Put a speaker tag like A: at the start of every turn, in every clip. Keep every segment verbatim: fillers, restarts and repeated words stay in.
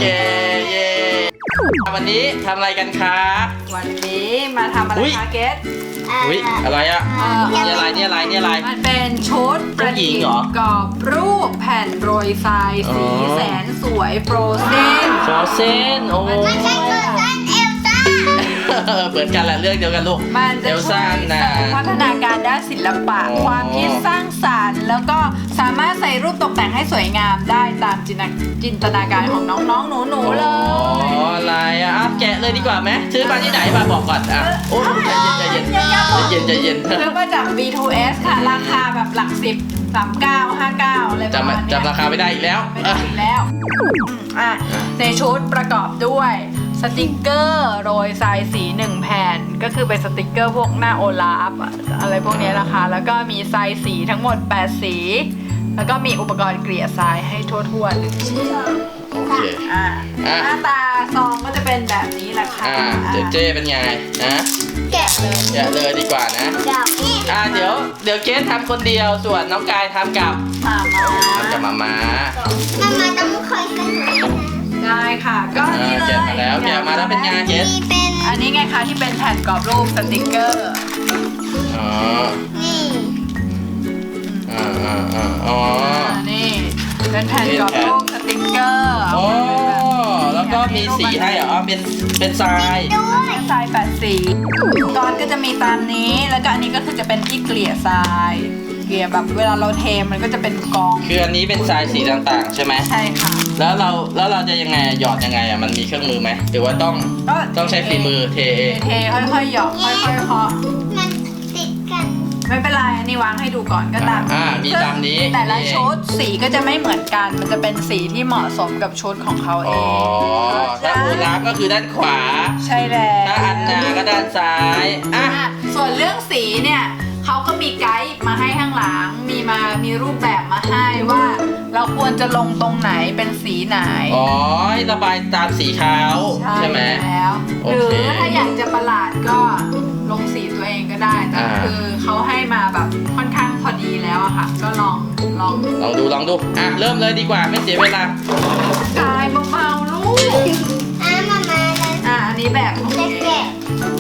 A: เคเย้วันนี้ทำอะไรกันคะ
B: วันนี้มาทำอะไรคะเกส
A: อุ้ยอะไรอ่ะนี่อะไรนี่อะไรนี่อะไร
B: มันเป็นชุดประดิษฐ์กรอบรูปแผ่นโรยทรายสีแสนสวยโฟรเซน
A: โฟรเซนโอ้
C: ไม่ใช่เกิดท่านเอลซ่า
A: เหมือนกันแหละเรื่องเดียวกันลูก
B: มันจะ
A: เอล
B: ช่ว
A: ซ่าย
B: เสริ
A: นะ
B: มพัฒนาการด้านศิลปะ
A: อ๋อ
B: ความคิดสร้างสรรค์แล้วก็สามารถใส่รูปตกแต่งให้สวยงามได้ตามจินตนาจินตนาการของน้องๆหนูๆเลย
A: อ๋ออะไรอ่ะอ่ะแกะเลยดีกว่าไหมซื้อมาที่ไหนมาบอกก่อนอ่ะโอ้ใจเย็นใจเย็นใจเย็นใจเย็น
B: ซื้อมาจาก บี ทู เอส ค่ะราคาแบบหลักสิบสามเก้าห้าเก้าอะไรประ
A: จำ
B: มาณเนี้ย
A: จำราคาไม่ได้อีกแล้ว
B: ไม่ได้อีกแล้วอ่ะในชุดประกอบด้วยสติกเกอร์โรยทรายสีหนึ่งแผ่นก็คือเป็นสติกเกอร์พวกหน้าโอลาฟอะอะไรพวกนี้นะคะ แล้วก็มีทรายสีทั้งหมดแปดสี แล้วก็มีอุปกรณ์เกลี่ยทรายให้ทั่วๆหนึ่งชิ้น
A: โอเค
B: อ่ะ
A: อ่ะ
B: หน้าตาซองก็จะเป็นแบบนี้แหละค่ะ
A: อ่าเจเจเป็นไงนะ
C: แกะเลย
A: แกะเลยดีกว่านะ
C: ดอกนี่
A: อ่าเดี๋ยวเดี๋ยวเกสทำคนเดียวส่วนน้องกายทำกับ
B: มามา
A: ทำกับมาม่า
C: มันมาต้องคอยกันหน่อย
B: ได้ค่ะ ก็
A: อ่า
B: นี่เลย
A: แกะมาแล้วแกะมาแล้วเป็นไงเกส
C: มีเป็น
B: อันนี้ไงคะที่เป็นแผ่นกรอบรูปสติกเกอร์
A: อ๋อ
C: นี่
A: อ่าอ่าอ่าอ๋อ
B: อ่านี่เป็นแผ่นกรอบรูปสติกเกอร์
A: โอ้แล้วก็มีสีให้เหรอเป็นเป็นทราย
C: ด้วย
B: ทรายแปดสีตอนก็จะมีตามนี้แล้วก็อันนี้ก็คือจะเป็นที่เกลี่ยทรายเกลี่ยแบบเวลาเราเทมันก็จะเป็นกอง
A: คืออันนี้เป็นทรายสีต่างๆใช่ไหม
B: ใช่ค่ะ
A: แล้วเราแล้วเราจะยังไงหยอดยังไงอ่ะมันมีเครื่องมือไหมหรือว่าต้อง
B: ก็
A: ต้องใช้ฝีมือเทเอง
B: เทค่อยๆหยอกค่อยๆเคาะ
C: มันติดกัน
B: ไม่เป็นไรอันนี้วางให้ดูก่อนก็ตาม
A: อ่ามีตามนี้
B: แต่ละชุดสีก็จะไม่เหมือนกัน มันจะเป็นสีที่เหมาะสมกับชุดของเขาเอ
A: อ๋อง ถ้าโอลาฟก็คือด้านขวา
B: ใช่แล้ว
A: ถ้าอันนาก็ด้านซ้ายอ่ะ
B: อ่ะส่วนเรื่องสีเนี่ยเขาก็มีไกด์มาให้ข้างหลัง มีมามีรูปแบบมาให้ว่า เราควรจะลงตรงไหนเป็นสีไหน
A: อ๋อให้ระบายตามสีเขาใช่ไหม
B: แล้ว
A: โอ
B: หรื
A: เค
B: อถ้าอยากจะประหลาดก็ลงสีตัวเองก็ได้แต่
A: อ่า
B: คือเขาให้มาแบบค่อนข้างพอดีแล้วอะค่ะ ก็ลองลอง
A: ลองดูลองดูอ่ะเริ่มเลยดีกว่าไม่เสียเวลาก
B: ายเบาๆลูก
C: อ่ะมามาเลย
B: อ่ะอันนี้แบบของ
C: จะ
B: เก
C: แกะ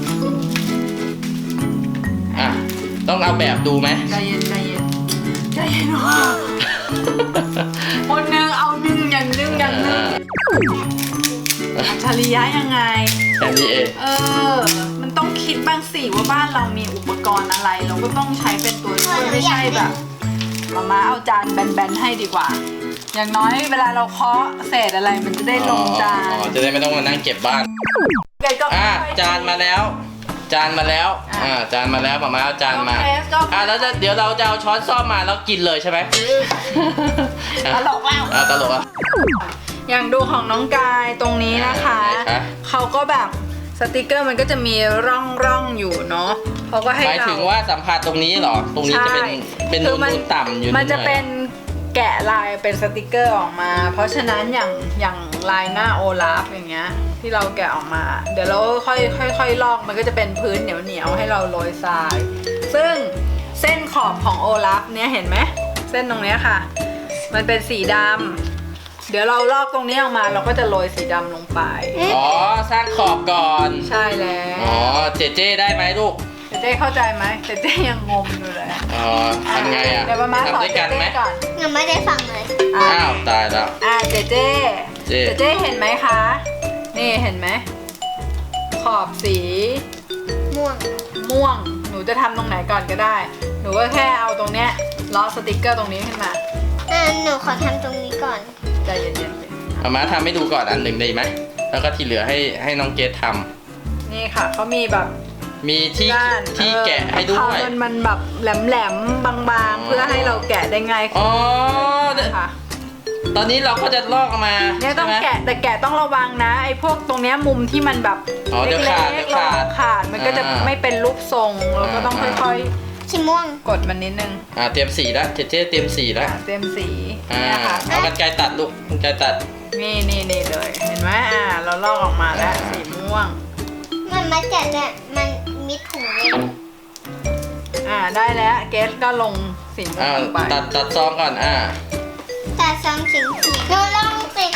A: อ่ะต้องเอาแบบดูไหม
B: ใจเย็นใจเย็นใจเย็นว่ะคนหนึงเอาหนึ่งอย่างหนึ่งอย่างหนึ่งอัจฉริยะยังไง
A: แค่นี้เอง
B: เออ มันต้องคิดบ้างสิว่าบ้านเรามีอุปกรณ์อะไร เราก็ต้องใช้เป็นตัวช่วยไม่ใช่แบบมาม่าเอาจานแบนๆให้ดีกว่า อย่างน้อยเวลาเราเคาะเศษอะไรมันจะได้ลงจาน
A: อ๋อจะได้ไม่ต้องมานั่งเก็บบ้าน
B: เกรดก็
A: อ่ะ
B: ค่อยๆ
A: จานมาแล้ว จานมาแล้ว
B: อ่ะ
A: อ่าจานมาแล้วมามาเอาจานมา
B: น้องเกรซก็
A: อ่ะแล้วจะเดี๋ยวเราจะเอาช้อนซ่อมมาแล้วกินเลยใช่ไหม
B: ตลกแล้ว
A: อ่ะตลกอ่ะ
B: อย่างดูของน้องกายตรงนี้นะคะ
A: ไหนคะ
B: เขาก็แบบสติกเกอร์มันก็จะมีร่องร่องๆอยู่เนาะเขาก็ให้
A: หมาย
B: เรา
A: ถึงว่าสัมผัสตรงนี้เหรอ ตรงนี้จะเป็น
B: ใช่
A: เป็น
B: คื
A: นู
B: อมัน
A: นๆต่ำอยู่
B: มันจะ
A: หอย
B: เป็นแกะลายเป็นสติกเกอร์ออกมา เพราะฉะนั้นอย่างอย่างลายหน้าโอลาฟอย่างเงี้ยที่เราแกะออกมา เดี๋ยวเราค่อยค่อยค่อยลอกมันก็จะเป็นพื้นเหนียวเหนียวๆให้เราโรยทราย ซึ่งเส้นขอบของโอลาฟเนี่ยเห็นไหมเส้นตรงเนี้ยค่ะ มันเป็นสีดำเดี๋ยวเราลอกตรงนี้ออกมาเราก็จะโรยสีดำลงไป
A: อ๋อสร้างขอบก่อน
B: ใช่แล้ว
A: อ๋อเจเจได้ไหมลูก
B: เจเจ๊เข้าใจไหมเจเจ๊ยังงงอยู่เลย
A: อ๋อทำไงอ่ะ
B: เดี๋ยวมาม่าสอน
A: ทำด้วย
B: เจ
A: กัน
B: เจ๊
A: ไหม
B: ก่อน
C: ยังไม่ได้ฟังเลย
B: อ่ะ
A: อ้าวตายแล้ว
B: อ่ะเจเจ๊
A: เจ๊
B: เจเจ๊เห็นไหมคะ นี่เห็นไหมขอบสี
C: ม่วง
B: ม่วง หนูจะทำตรงไหนก่อนก็ได้ หนูก็แค่เอาตรงเนี้ยล้อสติกเกอร์ตรงนี้ขึ้นมา
C: อ่ะหนูขอทำตรงนี้ก่อน
B: ใจเย็นๆสิ
A: มามาทำให้ดูก่อนอันหนึ่งได้ไหมแล้วก็ที่เหลือให้ให้น้องเกดทำ
B: นี่ค่ะเขามีแบบ
A: มีที่
B: ด้าน
A: ที่
B: เออ
A: แกะให้ด้
B: เขา
A: วย
B: มันมันแบบแหลมๆบางๆ เพื่อให้เราแกะได้ง่ายขึ้
A: อ๋
B: น
A: อ
B: นะคะ
A: ตอนนี้เราก็จะลอกออกมา
B: เนี่ยต้อง
A: ใช่ไหม
B: แกะแต่แกะต้องระวังนะไอ้พวกตรงเนี้ยมุมที่มันแบบ
A: อ๋อเดี๋ยวขาด
B: เล็
A: เดี๋
B: ก
A: ยว
B: ๆ
A: ขาด
B: ขาดมันก็จะ
A: อ่า
B: ไม่เป็นรูปทรงเราก็ต้อง
A: อ่า
B: ค่อย
C: สีม่วง
B: ๆ กดมันนิดนึง
A: อ่าเตรียมสีแล้วเจเจเตรียมสีแล้ว
B: อ่าเต็มสี
A: อ่า
B: เนี่ยค่ะ
A: เอากันไกรตัดลูกกันไกรตัด
B: นี่นี่นี่เลย เห็นไหมอ่าเราลอกออกมาแล้ว
A: อ่า
B: สีม่วง
C: มันมาแกะเนี่ยมันมีถุงเลย
B: อ่าได้แล้วเกสก็ลงสีม่วง
A: อ่า
B: ลงไป
A: ตัดตัดซองก่อนอ่า
C: แต่ซองสีสีหนูลองสีขาว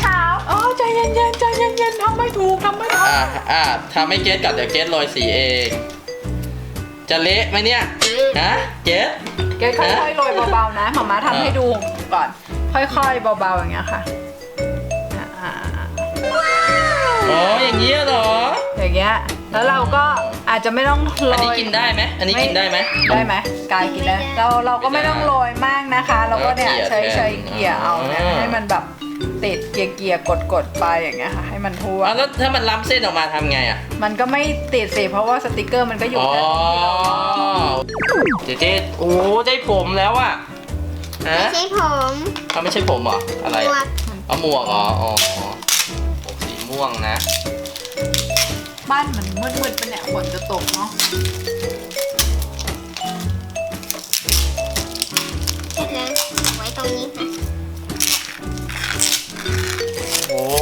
B: อ๋อใจเย็นๆใจเย็นๆทำไม่ถูกทำไม่ถูก
A: อ่าอ่าทำให้เกสก่อนเดี๋ยวเกสโรยสีเอง จะเละไหมเนี่ยฮะเกส
B: เกดค่อยๆโรยเบาๆนะหมาม้าทำให้ดูก่อน ค่อยๆเบาๆอย่างเงี้ยค่ะอ่า
A: อ๋ออย่างนี้เหรอ
B: อย่างเงี้ยแล้วเราก็อาจจะไม่ต้องโร
A: อันนี้
B: ย
A: กินได้ไหมอันนี้กินได้ไหม
B: ได้ไหมกายกินได้เราเราก็ไม่ต้องโรยมากนะคะ เราก็เนี่ย
A: เออเกลี่
B: ใช้
A: ยแทน
B: ใช้เกลี่ยเอาเนี่ย
A: อ๋อ
B: ให้มันแบบติดเกลี่ยเกลี่ยกดกดๆไปอย่างเงี้ยค่ะให้มันทั่ว
A: อ่ะแล้วถ้ามันล้ำเส้นออกมาทำไงอ่ะ
B: มันก็ไม่ติดสิเพราะว่าสติกเกอร์มันก็อยู่
A: อ๋อ
B: แค่ที่เรา
A: เจ๊เจ๊โอ้ได้ผมแล้วอ่ะฮะ
C: ไม่ใช่ผม
A: เขาไม่ใช่ผมเหรออะไร
C: ตัว
A: อะเอาหมวกเหรออ๋ออ๋อหมวกสีม่วงนะ
B: บ้านมันมืดๆปะเนี่ยฝนจะตกเนาะ
C: เสร็จแล้วไว้ตรงนี้ค่ะ
A: โอ้โห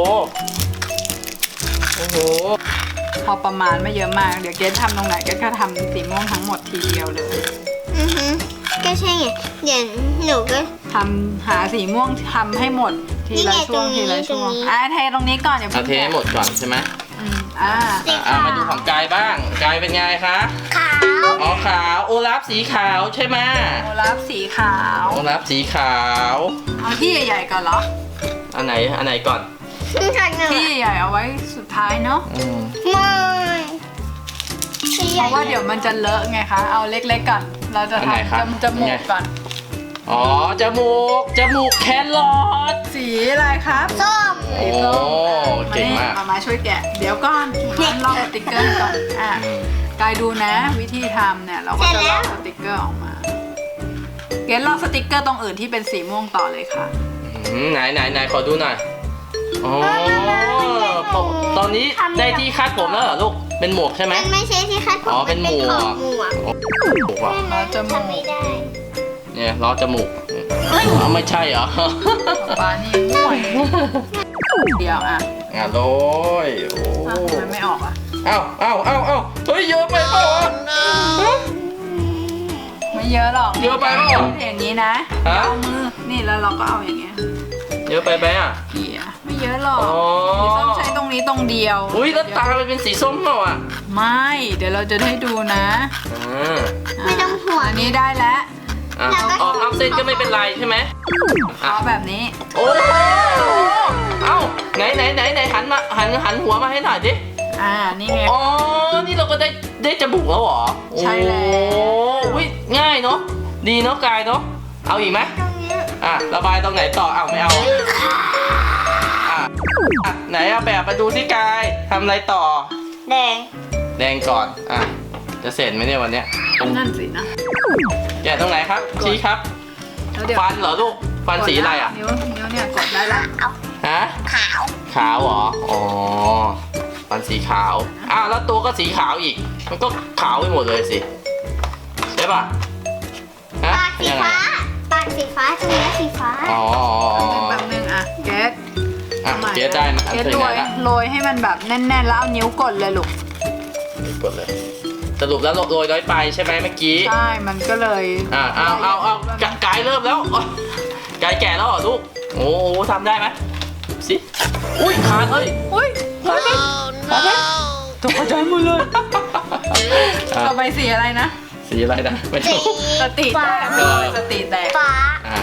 A: โอ้โห
B: พอประมาณไม่เยอะมากเดี๋ยวเกดทำตรงไหนเกดก็ทำสีม่วงทั้งหมดทีเดียวเลย
C: อือฮึก็ใช่ไงเดี๋ยวหนูก็
B: ทำหาสีม่วงทำให้หมดทีละช่วง
C: นี่
B: ที
C: ไง
B: ละ
C: ตรงนี้
B: ช่วง
C: ตรงนี้
B: อ่ะเทตรงนี้ก่อนอย่า
A: เอา
B: เพิ่ง
A: เทให้หมดก่อนใช่ไหม
B: อืมอ่า
A: อ่ะอ่ะมาดูของกายบ้างกายเป็นไงคะ
C: ขาว
A: อ๋อขาวโอลาฟสีขาวใช่ไหม
B: โอลาฟสีขาว
A: โอลาฟสีขาว
B: เอาที่ใหญ่ๆก่อนเหรอ
A: อันไหนอันไหนก่อน
C: จากหนู
B: ที่ใหญ่ๆเอาไว้สุดท้ายเนาะ
A: อืม
C: ไม่ที่
B: เพ
C: ใหญ่
B: ราะว่าเดี๋ยวมันจะเลอะไงคะเอาเล็กๆก่อนเราจะ
A: อันไหนครับ
B: ทำจมูกก่อน
A: อ๋อจมูกจมูกแครอท
B: สีอะไรครับ
C: ส้ม
A: โอ้
B: สีส้ม
A: เก่งมาก
B: มามาช่วยแกะ เดี๋ยวก่อนมาลอกสติกเกอร์ก่อน อ่ะ
A: อืม
B: กายดูนะ วิธีทำเนี่ย เราก็จะลอกสติกเกอร์ออกมา เกดลอกสติกเกอร์ตรงอื่นที่เป็นสีม่วงต่อเลยค่ะ
A: อืมไหนไหนไหนขอดูหน่อยอ๋อผมตอนนี้ได้ที่คาดผมแล้วเหรอลูกเป็นหมวกใช่ไหม
C: มันไม่ใช่ที่คาดผม
A: อ๋อเป็นหมวก
C: ขอบหมวก
A: โอ้หมวกว่ะ
C: แค่นั้นทำไม่ได้
A: เนี่ยล้อจมูก
C: เฮ้ย
A: อ๋อไม่ใช่เหรอ
B: ปลานี่ม่วยเดียวอ่ะ
A: งานโรยโอ้
B: อ้าวทำไมไม่ออกอ่ะ
A: เอ้าเอ้าเอ้าเอ้าเฮ้ยเยอะไปเปล่าวะฮะ
B: ไม่เยอะหรอก
A: เยอะไปเปล่า
B: อย่างนี้นะ
A: ฮะ
B: เอามือ นี่แล้วเราก็เอาอย่างเงี้ย
A: เยอะไปไหมอ่ะ
B: เกี่ยไม่เยอะหรอก
A: อ๋อ
B: สีส้มใช้ตรงนี้ตรงเดียว
A: อุ้ยแล้วตามันเป็นสีส้มเปล่าอ่ะ
B: ไม่ เดี๋ยวเราจะให้ดูนะ
A: อ่า
C: ไม่ต้องห่วง
B: อันนี้ได้แล้ว
A: อ่ะออกนอกเส้นก็ไม่เป็นไรใช่ไหม
B: เอาแบบนี้
A: โอ้เอ้าไหนไหนไหนไหนหันมาหันหันหัวมาให้หน่อยดิ
B: อ่า นี่ไง
A: อ๋อ นี่เราก็ได้ได้จมูกแล้วเหรอ
B: ใช่แล้ว
A: โอ้อุ้ยง่ายเนาะ ดีเนาะกายเนาะ เอาอีกไหม
C: ตรงเนี้ย
A: อ่ะระบายตรงไหนต่อเอาไม่เอาอ่ะอ่ะไหนเอาแบบมาดูสิกายทำอะไรต่อ
C: แดง
A: แดงก่อน อ่ะ จะเสร็จไหมเนี่ยวันเนี้ย
B: นั่นสินะ
A: แกะตรงไหนครับ ชี้ครับ
B: แล้วเดี๋ยว
A: ฟันเหรอลูก ฟันสีอะไรอ่ะ
B: นิ้วนิ้วเนี่ยกดได้ละ
A: ฮะ
C: ขาว
A: ขาวเหรอ อ๋อ ฟันสีขาว อ้าวแล้วตัวก็สีขาวอีก มันก็ขาวไปหมดเลยสิ ใช่ป่ะฮะ
C: ปากสี
A: ยังไง
C: ฟ้า ปากสีฟ้าตรงนี้สีฟ้า
A: อ๋อ
B: แป๊บนึงอ่ะเกส
A: อ่ะเกสได้นะ
B: เกส
A: ถึง
B: โร
A: ไหน
B: ย
A: ละ
B: โรยให้มันแบบแน่นๆ แล้วเอานิ้วกดเลยลูก
A: กดเลย สรุปแล้วโรยน้อยไปใช่ไหมเมื่อกี้
B: ใช่ มันก็เลย
A: อ่าเอาเอาเอากกายเริ่มแล้วโอ๊ยกายแก่แล้วเหรอลูก โอ้โหทำได้ไหมสิ อุ้ยขาดเลย
B: อุ้ย
A: ขาดไหมขาดไหม
B: ตกใจหมดเลย
A: อ่ะ
B: ต่อไปสีอะไรนะ
A: สีอะไรนะ ไม่
C: สี
A: รู้
B: สติแตกมีสติแตก
C: ฟ้า
A: อ่ะ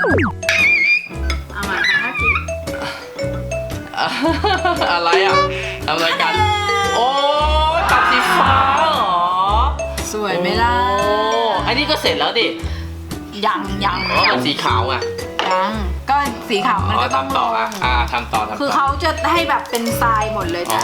B: เอามาทำท่าที
A: อ่ะอะไรอ่ะทำอะไรกัน โอ้ยปัดสีฟ้าเหรอ
B: สวยไหมล่ะ
A: โอ้อันนี้ก็เสร็จแล้วดิ
B: ยังยัง
A: เพราะมันสีขาวอ่ะ
B: ยังก็สีขาวมันก็ต้อง
A: ทำต่ออ่ะอ่าทำต่อทำต่อ
B: คือเขาจะให้แบบเป็นทรายหมดเลย
A: อ๋อ
B: นะ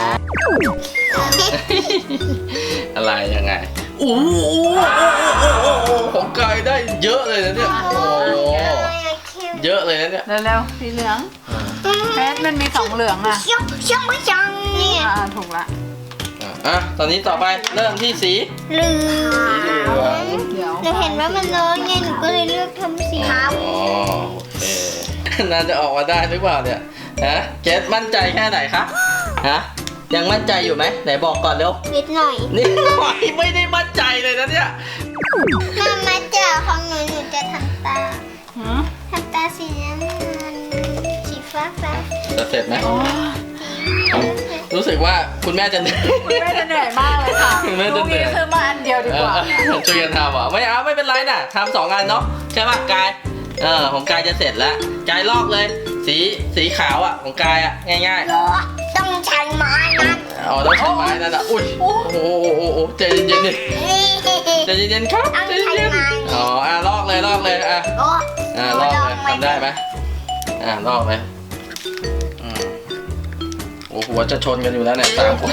A: อะไรยังไงโอ้โหของกายได้เยอะเลยนะเนี่ยโอ้โหเยอะเลยนะเนี่ย
B: เร็วๆสีเหลืองเพชรมันมีสองเหลืองอ่ะ
C: เชี่ยวเชี่ยวไม่จังนี่
B: อ่าถูกละ
A: อ่ะอ่ะตอนนี้ต่อไปเริ่มที่สี
C: เหลื
A: สีเหลื
C: อ
A: อง
B: เดี๋ยว
C: หนูเห็นว่ามันน้อยไงหนูก็เลยเลือกทำสีขาว
A: อ๋อโอเคน่าจะออกมาได้หรือเปล่าเนี่ยฮะเกสมั่นใจแค่ไหนคะฮะยังมั่นใจอยู่ไหมไหนบอกก่อนเร็ว
C: นิดหน่อย
A: นี่หน่อยไม่ได้มั่นใจเลยนะเนี่ย
C: มามาเจอของหนูหนูจะทำตา
B: หืม
C: ทำตาสีน้ำเงินสีฟ้าฟ้า
A: จะเสร็จไหม
B: โอ้
A: รู้สึกว่าคุณแม่จะเหนื่อย
B: คุณแม่จะเหนื่อยมากเลยค่ะ
A: คุณแม่จะเหนื่อย
B: ลูกซื้อมาอันเดียวดีกว่า
A: เออช่วยกันทำเหรอไม่เอาไม่เป็นไรน่ะทำสองอันเนาะใช่ป่ะกายเออของกายจะเสร็จแล้วกายลอกเลย สีสีขาวอ่ะของกายอ่ะง่าย
C: ต้องใช้ไม้นะ
A: ๆอ๋อต้องใช้ไม้นั่นอ่ะอุ้ยโอ้โหโอ้โหโอ้โหใจเย็นๆดิ
C: นี่
A: ใจเย็นๆครับ
C: ต้อง
A: ใจ
C: ใช้
A: เย็น
C: ไม้
A: ๆอ๋ออ่ะลอกเลยลอกเลยอ่ะ
C: โอ้
A: อ่ะลอกเลยทำได้ไหมอ่ะลอกเลยอืมโอ้โหหัวจะชนกันอยู่แล้วเนี่ยสามคน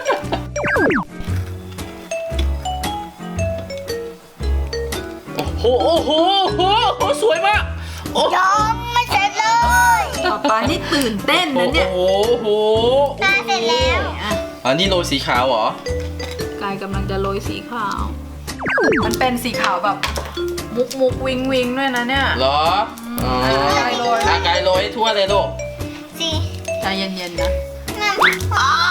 A: โอ้โหโอ้โหโอ้โหโอ้โหสวยมากโอ้โห
C: ยังไม่เสร็จเลย
B: ป๊าป๊านี่ตื่นเต้นนะเนี่ย
A: โอ้โห
C: น่าเสร็จแล้ว
B: อ่ะ
A: อันนี้โรยสีขาวเหรอ
B: กายกำลังจะโรยสีขาว มันเป็นสีขาวแบบมุกมุกวิงวิงด้วยนะเนี่ย
A: เหรออ๋อ
B: ไกายโรย
A: อ่ะไกายโรยให้ทั่วเลยลูก
C: สิ
B: ใจเย็นๆนะ
C: นั่นอ๋อ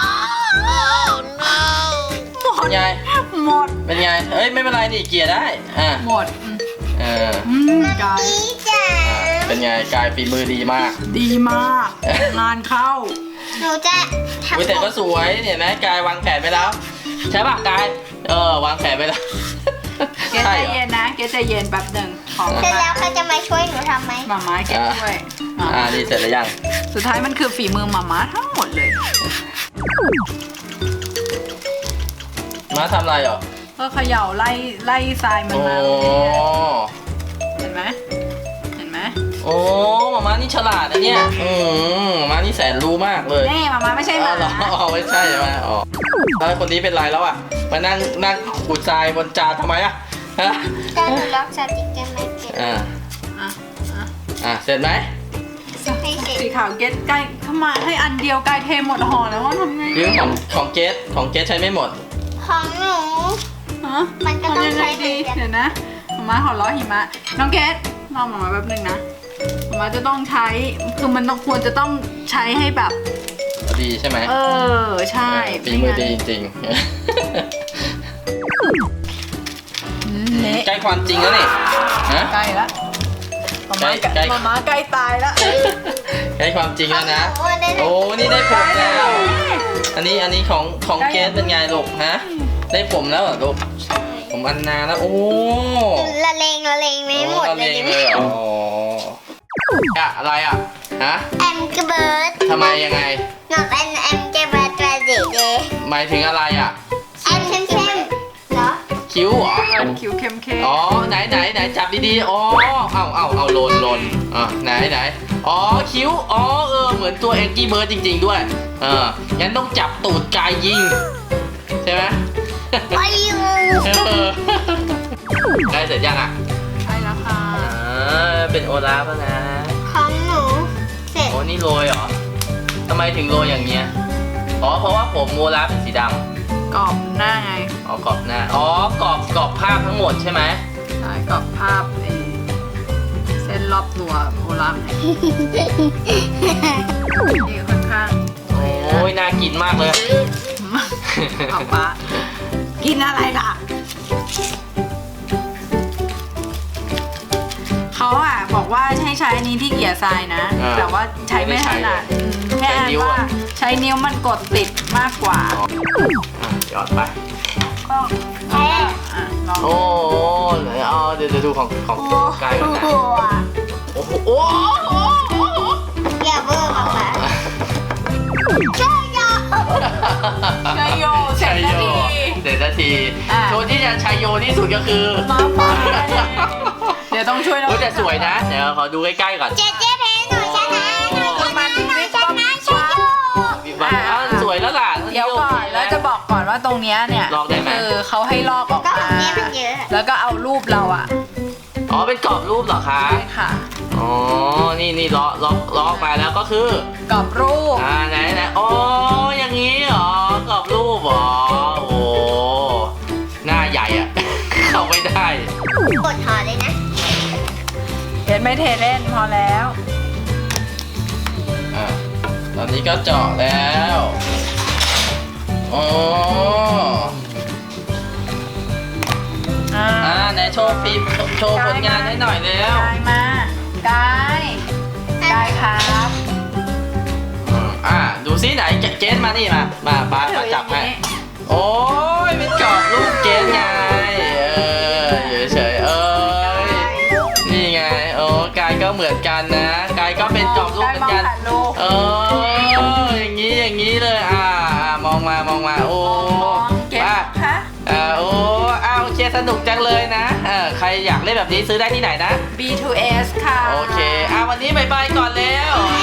A: เป็นไง
B: หมด
A: เป็นไงเอ้ยไม่เป็นไรนี่เกลี่ยได้อ่ะ
B: หมดอืม
A: เออ
B: อืมกาย
C: นี่จ้ะ
A: อ่ะเป็นไงกายฝีมือดีมาก
B: ดีมาก งานเข้า
C: หนูจะทำ
A: วิแต่ก็สวยเนี่ยนะกายวางแผนไปแล้ว ใช่ป่ะกายเออวางแผนไปแล้ว
B: เกใจ
A: ใช่เหรอ
B: เย็นนะเกใจเย็นแป๊บหนึ่งขอ
C: เสร็จ
B: มา
C: แล้วเขาจะมาช่วยหนูทำไหม
B: หมาม้าเกช่วยอ่ะ
A: อ่านี่เสร็จแล้วยัง
B: สุดท้ายมันคือฝีมือหมาม้าทั้งหมดเลย
A: มาทำอะไรเหรอ
B: ก็เขย่าไล่ไล่ทรายมัน
A: โอ้
B: มาเนี่ยเห็นไหมเห็นไหม
A: โอ้มามานี่ฉลาดนะเนี่ยอืมมามานี่แสนรู้มากเลย
B: นี่หมาม้าไม่ใช่ห
A: อ๋
B: มา
A: อเหรออ๋อไม่ใช่ใช่ไหมอ๋อแล้วคนนี้เป็นไรแล้วอ่ะมานั่งนั่งขูดทรายบนจานทำไมอ่ะฮะ
C: จะหนูล็อกสติ๊กเกอร์ไม่เก็บ
A: อ่า
B: อ่ะอ่ะ
A: อ่ะเสร็จไหม
C: ให้เสร็จ
B: สีขาวเกตใกล้เข้ามาให้อันเดียวใกล้เทหมดห่อแล้วว่าทำไง
A: ยืมของของเกสของเกสใช้ไม่หมด
C: ของหนู
B: ฮะ
C: มันก็ต้อง
B: ทำยังไง
C: ใช้เหมื
B: ดี
C: อนกัน
B: เดี๋ยวนะหมาม้าขอล้อหิมะน้องเกตรอหมาม้าแป๊บนึงนะหมาม้าจะต้องใช้คือมันต้องควรจะต้องใช้ให้แบบ
A: ดีใช่ไหม
B: เออใช่
A: เออฝีมือดีจริง
B: เละ
A: ๆ ใกล้ความจริงแล้วนี่ฮะ
B: ใกล้ละหมาม้า
A: ใกล้ใกล้
B: หมาม้าใกล้ตายละ
A: ใกล้ความจริงแล้วนะ
C: ของหได้
A: โอ้ นี่ได้ผมแล้ว อันนี้อันนี้ของของเกสเป็นไงลูกฮะ ได้ผมแล้วเหรอลูก ผมอันนาแล้ว โอ้
C: ละเลงละเลงไม่หมด
A: โอ้
C: เลย
A: อา
C: ดิ
A: เลยเหรออะอะไรอ่ะ ฮะ
C: แอมกระเบิด
A: ทำไมยังไง
C: หนูเป็นแอมกระเบิดตัวสีเดย์
A: หมายถึงอะไรอ่ะ
C: แอมเข้มเข้มๆเหรอ
A: คิ้วเหรอ
B: คิวเข้มเข้ม
A: อ๋อ ไหนไหนไหนจับดีๆ อ๋อ เอาเอาเอาโลนโลนอ่ะไหนไหนอ๋อ คิ้ว อ๋อ เออ เหมือนตัวแองกี้เบิร์ดจริง ๆ ด้วย เออ งั้นต้องจับตูดกายยิง ใช่ไหม
C: ไปอยู่
A: เออได้เสร็จยังอ่ะ
B: ใช่แล้วค่ะ
A: อ่าเป็นโอลาฟแล้วนะ
C: ของหนูเสร็จ
A: โอ้นี่โรยเหรอทำไมถึงโรยอย่างเงี้ย อ๋อ เพราะว่าผมโอลาฟเป็นสีดำ
B: กรอบหน้าไง
A: อ๋อกรอบหน้า อ๋อกรอบกรอบภาพทั้งหมดใช่ไหม
B: ใช่กรอบภาพไอ้เส้นรอบตัวโบราณไงนี่ค่อนข้าง
A: โอ้ยน่ากินมากเลย
B: เอาปะกินอะไรล่ะ เขาอ่ะบอกว่าให้ใช้อันนี้ที่เกี่ยทรายนะ
A: อ่า
B: แต่ว่าใช้ไม่ถนัดอืมแค่
A: ใช้นิ้ว
B: ว่า
A: อะ
B: ใช้นิ้วมันกดติดมากกว่า
A: อ่ะหยอดไป
B: ก็ก็อ่ะลอง
A: โอ้เดี๋ยวเอาเดี๋ยวเดี๋ยวดูของของกายก่อนนะ โอ้โหโอ้โห
C: อย่าเบอร์มาค่ะใช่ยอ
B: ชัยโยเสร็จ
A: ชัย
B: นา
A: โย
B: ที
A: เสร็จนาที
B: อ่ะ
A: ตัวที่จะชัยโยที่สุดก็คือ
B: มาไปเดี๋ยวต้องช่วยน้อง
A: โอ้แต่สวยนะ เดี๋ยวขอดูใกล้ๆก่อน
C: เจ๊เจ๊เพหนูชนะหนูชนะหนูชนะชิโย
A: มีบ้างอ้าวสวยแล้วล่ะ
B: เดี๋ยวก่อนแล้วจะบอกก่อนว่าตรงเนี้ยเนี่ย
A: ลอกได้ไหม
B: คือเขาให้ลอกออก
C: ก็ข
B: มา
C: องเนี่ยมันเยอะ
B: แล้วก็เอารูปเราอะ
A: อ๋อเป็นกรอบรูปเหรอคะ
B: ใช่ค่ะ
A: อ๋อ นี่นี่ล้อล้อล้อออกมาแล้วก็คือก
B: รอบรูป
A: อ่าไหนไหนอ๋อ อย่างนี้เหรอกรอบรูปเหรอ โอ้โหหน้าใหญ่อะ เข้าไม่ได้
C: กดถอดเลยนะ
B: เห็นไม่เทเล่นพอแล้ว
A: อ่าตอนนี้ก็เจาะแล้วอ๋อ
B: อ่า
A: อ่าไหนโชว์ฟิล์มโชว์ผลงานให้หน่อยแล้ว
B: กายมากายกายครับ
A: อดูซิไหนเกสมานี่มามาป้าก็จับให้โอ้ยเป็นกรอบรูปเกสไงเอออยู่เฉยๆเอ้ยนี่ไงโอ้กายก็เหมือนกันนะกายก็เป็นกรอบรูปเหมือนกันเอออย่างนี้อย่างนี้เลยอ่ามองมามองมาโอ้
B: เก็บ
A: ป้า
B: คะ
A: อ่าโอ้อ้าวเชียร์สนุกจังเลยนะเออใครอยากเล่นแบบนี้ซื้อได้ที่ไหนนะ
B: บี ทู เอส ค่ะ
A: โอเคอ่าวันนี้บายบายก่อนแล้ว